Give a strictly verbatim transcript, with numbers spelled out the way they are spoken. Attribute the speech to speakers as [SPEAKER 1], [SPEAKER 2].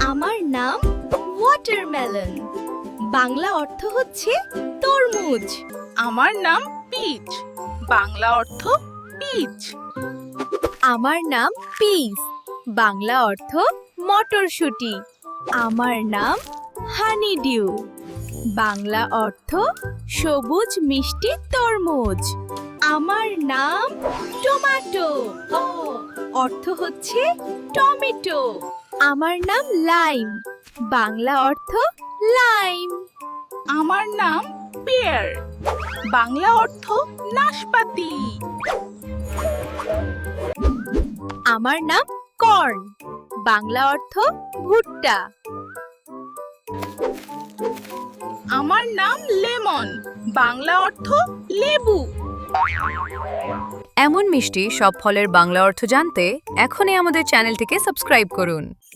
[SPEAKER 1] আমার নাম ওয়াটারমেলন। বাংলা অর্থ হচ্ছে তরমুজ।
[SPEAKER 2] আমার নাম পিচ। বাংলা অর্থ পিচ।
[SPEAKER 1] আমার নাম পিস। বাংলা অর্থ মটরশুঁটি। আমার নাম হানিডিউ। বাংলা অর্থ সবুজ মিষ্টি তরমুজ। আমার নাম টমেটো। অর্থ হচ্ছে টমেটো। আমার নাম লাইম। বাংলা অর্থ লাইম।
[SPEAKER 2] আমার নাম পেয়ার। বাংলা অর্থ নাশপাতি।
[SPEAKER 1] আমার নাম কর্ন। বাংলা অর্থ ভুট্টা।
[SPEAKER 2] আমার নাম লেমন। বাংলা অর্থ লেবু।
[SPEAKER 3] এমন মিষ্টি সব ফলের বাংলা অর্থ জানতে এখনই আমাদের চ্যানেলটিকে সাবস্ক্রাইব করুন।